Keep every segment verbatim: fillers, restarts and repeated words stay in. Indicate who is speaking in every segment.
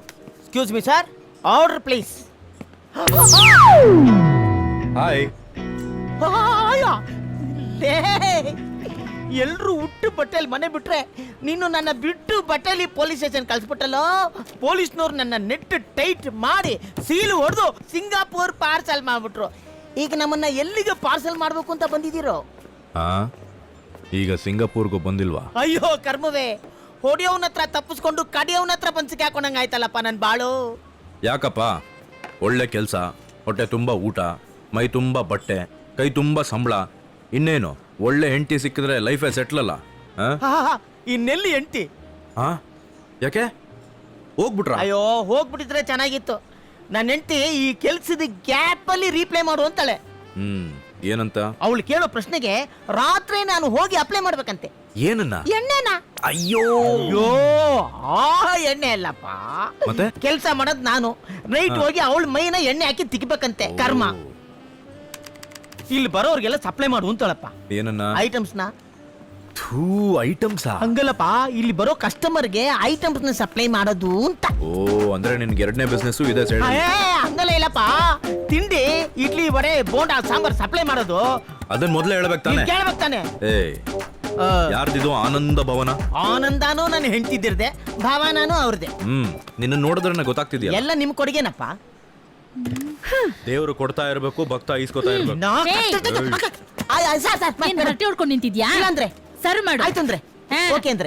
Speaker 1: Excuse me sir, order please.
Speaker 2: Hi.
Speaker 1: ಎಲ್ರು ಹುಟ್ಟು ಬಟ್ಟೆಲಿ ಮನೆ ಬಿಟ್ರೆ ನೀನು ನನ್ನ ಬಿಟ್ಟು ಬಟ್ಟೆಲಿ ಪೊಲೀಸ್ ಸ್ಟೇಷನ್ ಕಳ್ಸ್ಬಿಟ್ಟಲ್ಲೋ. ಪೊಲೀಸ್ನವ್ರು ನನ್ನ ನೆಟ್ ಟೈಟ್ ಮಾಡಿ ಸೀಲು ಹೊಡೆದು ಸಿಂಗಾಪುರ್ ಪಾರ್ಸಲ್ ಮಾಡ್ಬಿಟ್ರು. ಈಗ ನಮ್ಮನ್ನ ಎಲ್ಲಿಗೆ ಪಾರ್ಸಲ್ ಮಾಡ್ಬೇಕು ಅಂತ ಬಂದಿದ್ದೀರೋ?
Speaker 2: ಹಾ, ಈಗ ಸಿಂಗಾಪುರ್ಗೂ ಬಂದಿಲ್ವಾ?
Speaker 1: ಅಯ್ಯೋ ಕರ್ಮವೇ, ಹೊಡಿಯೋವನ ಹತ್ರ ತಪ್ಪಿಸ್ಕೊಂಡು ಕಡಿಯೋವನ ಹತ್ರ ಬಂದು ಸಿಕ್ಕಾಕೊಂಡಂಗ ಆಯ್ತಲ್ಲಪ್ಪ ನನ್ ಬಾಳು.
Speaker 2: ಯಾಕಪ್ಪ? ಒಳ್ಳೆ ಕೆಲಸ, ಹೊಟ್ಟೆ ತುಂಬ ಊಟ, ಮೈ ತುಂಬ ಬಟ್ಟೆ, ಕೈ ತುಂಬ ಸಂಬಳ, ಇನ್ನೇನು ಒಳ್ಳೆ ಹೆಂಡತಿ ಸಿಕ್ಕಿದ್ರೆ ಲೈಫೇ ಸೆಟ್ಲ್ ಅಲ್ಲ.
Speaker 1: ಇನ್ನೆಲ್ಲಿ ಎಂಟಿ?
Speaker 2: ಹಾ, ಯಾಕೆ ಹೋಗ್ಬಿಟ್ರ?
Speaker 1: ಅಯ್ಯೋ ಹೋಗ್ಬಿಟ್ಟಿದ್ರೆ ಚೆನ್ನಾಗಿತ್ತು. ನನ್ನ ಹೆಂಡತಿ ಈ ಕೆಲ್ಸದ ಗ್ಯಾಪ್ ಅಲ್ಲಿ ರೀಪ್ಲೈ ಮಾಡು ಅಂತಾಳೆ.
Speaker 2: ಹ್ಮ್, ಏನಂತ?
Speaker 1: ಅವಳು ಕೇಳೋ ಪ್ರಶ್ನೆಗೆ ರಾತ್ರಿ ನಾನು ಹೋಗಿ ಅಪ್ಲೈ ಮಾಡ್ಬೇಕಂತೆ.
Speaker 2: ಏನನ್ನ?
Speaker 1: ಎಣ್ಣೆನಾ?
Speaker 2: ಅಯ್ಯೋ
Speaker 1: ಅಯ್ಯೋ ಆ ಎಣ್ಣೆ ಅಲ್ಲಪ್ಪ,
Speaker 2: ಮತ್ತೆ
Speaker 1: ಕೆಲ್ಸ ಮಾಡೋದ್ ನಾನು. ನೈಟ್ ಹೋಗಿ ಅವಳ ಮೈನ ಎಣ್ಣೆ ಹಾಕಿ ತಿಕ್ಬೇಕಂತೆ. ಕರ್ಮ. ಇಲ್ಲಿ ಬರೋರ್ಗೆಲ್ಲ ಸಪ್ಲೈ ಮಾಡು ಅಂತಾಳಪ್ಪ.
Speaker 2: ಏನನ್ನ?
Speaker 1: ಐಟಮ್ಸ್ ನ.
Speaker 2: ಥೂ, ಐಟಮ್ಸ್
Speaker 1: ಹಂಗಲ್ಲಪ್ಪ, ಇಲ್ಲಿ ಬರೋ ಕಸ್ಟಮರ್ಗೆ ಐಟಮ್ಸ್ ನ ಸಪ್ಲೈ ಮಾಡೋದು ಅಂತ.
Speaker 2: ಓ, ಅಂದ್ರೆ ನಿನ್ಗೆ ಎರಡನೇ ಬಿಸ್ನೆಸ್ ಇದೆ ಸೈಡ್?
Speaker 1: ಏ, ಹಂಗಲ್ಲ ಇಲ್ಲಪ್ಪ, ತಿಂಡಿ ಇಡ್ಲಿ ವಡೆ ಬೋಂಡಾ ಸಾಂಬಾರ್ ಸಪ್ಲೈ ಮಾಡೋದು.
Speaker 2: ಅದನ್ನ ಮೊದಲೇ ಹೇಳ್ಬೇಕು ತಾನೆ?
Speaker 1: ಕೇಳ್ಬೇಕು ತಾನೆ.
Speaker 2: ಏ, ಯಾರ್ದಿದು? ಆನಂದ ಭವನ?
Speaker 1: ಆನಂದಾನು ನಾನು ಹೆಂಡ್ತಿದ್ದಿರ್ದೆ, ಭಾವನಾನು ಅವ್ರದೆ.
Speaker 2: ಹ್ಮ್, ನಿನ್ನ ನೋಡಿದ್ರೆ ಗೊತ್ತಾಗ್ತಿದ್ಯಾ?
Speaker 1: ಎಲ್ಲ ನಿಮ್ ಕೊಡುಗೆನಪ್ಪ.
Speaker 2: ದೇವ್ರು ಕೊಡ್ತಾ ಇರ್ಬೇಕು, ಭಕ್ತ ಈಸ್ಕೊತಾ ಇರ್ಬೇಕು.
Speaker 1: ನಾ-
Speaker 3: ಏಯ್!
Speaker 1: ಅಕ್ಕ, ಆ- ಆ- ಸಾರ್, ಸಾರ್,
Speaker 3: ಏನ್ ಹೊಟ್ಟೆ ಹೊಡ್ಕೊಂಡು ನಿಂತಿದ್ಯಾ?
Speaker 1: ಇಲ್ಲ ಅಂದ್ರೆ
Speaker 3: ಸರ್ವ್ ಮಾಡು.
Speaker 1: ಆಯ್ತು ಅಂದ್ರೆ
Speaker 3: ಹಾ.
Speaker 1: ಓಕೆ ಅಂದ್ರೆ.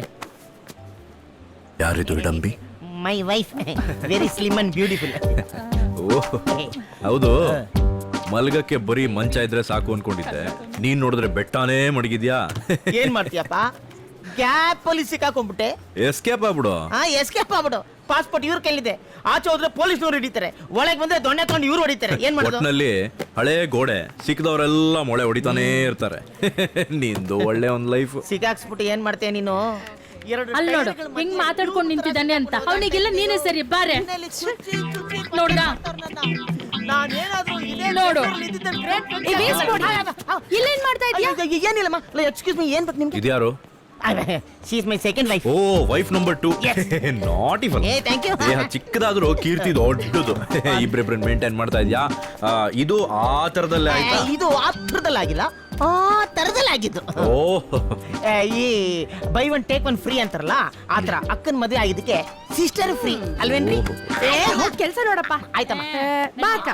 Speaker 2: ಯಾರಿದು ಇಡಂಬಿ?
Speaker 1: My wife, very slim and beautiful.
Speaker 2: ಓಹ್, ಹೌದು. ಮಲ್ಗಕ್ಕೆ ಬರೀ ಮಂಚ ಇದ್ರೆ ಸಾಕು ಅನ್ಕೊಂಡಿದ್ದೆ, ನೀನ್ ನೋಡಿದ್ರೆ ಬೆಟ್ಟಾನೇ ಮಡಗಿದ್ಯಾ.
Speaker 1: ಏನ್ ಮಾಡ್ತೀಯಪ್ಪ? ಗ್ಯಾಪ್ ಅಲ್ಲಿ ಸಿಕ್ಕಾಕೊಂಡ್ಬಿಟ್ಟೆ.
Speaker 2: ಎಸ್ಕೇಪ್ ಆಗ್ಬಿಡು.
Speaker 1: ಹಾ, ಎಸ್ಕೇಪ್ ಆಗ್ಬಿಡು. ಪಾಸ್ಪೋರ್ಟ್ ಇವ್ರ ಕೈಲಿದೆ. ಆಚೆ ಹೋದ್ರೆ ಪೊಲೀಸ್ನವ್ರು ಹಿಡಿತಾರೆ, ಒಳಗೆ ಬಂದ್ರೆ ದೊಣ್ಣೆ ತಗೊಂಡು ಇವ್ರು ಹೊಡಿತಾರೆ. ಏನ್ ಮಾಡೋದು?
Speaker 2: ಒಟ್ನಲ್ಲಿ ಹಳೆ ಗೋಡೆ ಸಿಕ್ಕದವರೆಲ್ಲ ಮೊಳೆ ಹೊಡಿತಾನೇ ಇರ್ತಾರೆ. ನಿಂದು ಒಳ್ಳೆ ಒಂದ್ ಲೈಫ್.
Speaker 1: ಸಿಕ್ಕಾಕ್ಸ್ಬಿಟ್ಟು ಏನ್ ಮಾಡ್ತೀಯ ನೀನು? ಎರಡು
Speaker 3: ಅಲ್ಲಿ ನೋಡು
Speaker 1: ಟೈರ್ಗಳ ಮಧ್ಯೆ
Speaker 3: ಹೆಂಗ್ ಮಾತಾಡ್ಕೊಂಡು ನಿಂತಿದ್ದಾನೆ ಅಂತ. ಅವನಿಗೆಲ್ಲ ನೀನೇ ಸರಿ ಬಾರೆ.
Speaker 1: ಮನೆಯಲ್ಲಿ ಚುಚ್ಚಿ ಚುಚ್ಚಿ
Speaker 3: ನೋಡ್ದ?
Speaker 1: ನಾನೇನಾದ್ರೂ ಇದೇ
Speaker 3: ನೋಡು.
Speaker 1: ಜಾಗದಲ್ಲಿ ಇದ್ದಿದ್ರೆ great friend
Speaker 3: ಏ, waste
Speaker 1: ಆಗ್ತಿದ್ದೆ.
Speaker 3: ಮಾಡಿ. ಇಲ್ಲೇನ್ ಮಾಡ್ತಾ ಇದ್ಯಾ?
Speaker 1: ಅಯ್ಯೋ, ಅಯ್ಯೋ, ಏನಿಲ್ಲಮ್ಮ. ಎಕ್ಸ್ಕ್ಯೂಸ್ ಮೀ, ಏನ್ ಬೇಕು ನಿಮ್ಗೆ?
Speaker 2: ಇದ್ಯಾರು?
Speaker 1: She is my second wife.
Speaker 2: ಓ, wife number two. Not even.
Speaker 1: ಏ, ಥ್ಯಾಂಕ್ ಯು.
Speaker 2: ದೇಹ ಚಿಕ್ಕದಾದ್ರೂ ಕೀರ್ತಿ ದೊಡ್ಡದು. ಇಬ್ರಿಬ್ರನ್ ಮೇಂಟೈನ್ ಮಾಡ್ತಾ ಇದ್ಯಾ? ಆ, ಇದು ಆ ತರದಲ್ಲೇ ಆಯ್ತಾ?
Speaker 1: ಇದು ಆ ಥರದಲ್ಲಾಗಿಲ್ಲ, ಆ ಥರದಲ್ಲಾಗಿದ್ದು.
Speaker 2: ಓ,
Speaker 1: ಏ, ಈ buy one take one free ಅಂತಾರಲ್ಲ, ಆ ಥರ ಅಕ್ಕನ ಮದುವೆ ಆಗಿದ್ದಕ್ಕೆ ಸಿಸ್ಟರ್ ಫ್ರೀ ಅಲ್ವೇನ್ರಿ?
Speaker 3: ಏ, ಹೋಗ್ ಕೆಲ್ಸ ನೋಡಪ್ಪ.
Speaker 1: ಆಯ್ತಮ್ಮ.
Speaker 3: ಬಾ ಅಕ್ಕ.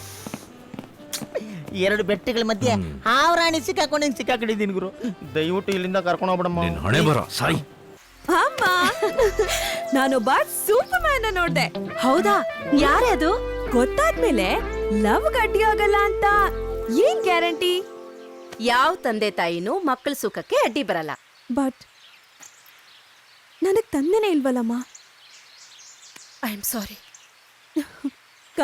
Speaker 1: ಎರಡು ಬೆಟ್ಟಗಳ ಮಧ್ಯೆ ಹಾವರಾಣಿ ಸಿಕ್ಕಾಕೊಂಡು ಹಿಂಗ್ ಸಿಕ್ಕಾಕೊಂಡಿದ್ದೀನಿ ಗುರು. ದಯವಿಟ್ಟು ಇಲ್ಲಿಂದ ಕರ್ಕೊಂಡು ಹೋಗ್ಬಿಡಮ್ಮ.
Speaker 2: ನಿನ್ ಹಣೆ ಬರ ಸಾಯಿ.
Speaker 4: ಅಮ್ಮ, ನಾನೊಬ್ಬ ಸೂಪರ್ ಮ್ಯಾನ್ ನೋಡ್ದೆ. ಹೌದಾ? ಯಾರೇ ಅದು? ಗೊತ್ತಾದ್ಮೇಲೆ ಲವ್ ಗಟ್ಟಿ ಆಗಲ್ಲ ಅಂತ ಏನ್ ಗ್ಯಾರಂಟಿ?
Speaker 5: ಯಾವ ತಂದೆ ತಾಯಿನೂ ಮಕ್ಕಳ ಸುಖಕ್ಕೆ ಅಡ್ಡಿ ಬರಲ್ಲ.
Speaker 4: ಬಟ್ ನನಗ್ ತಂದೆನೇ ಇಲ್ವಲ್ಲಮ್ಮ.
Speaker 5: I am sorry.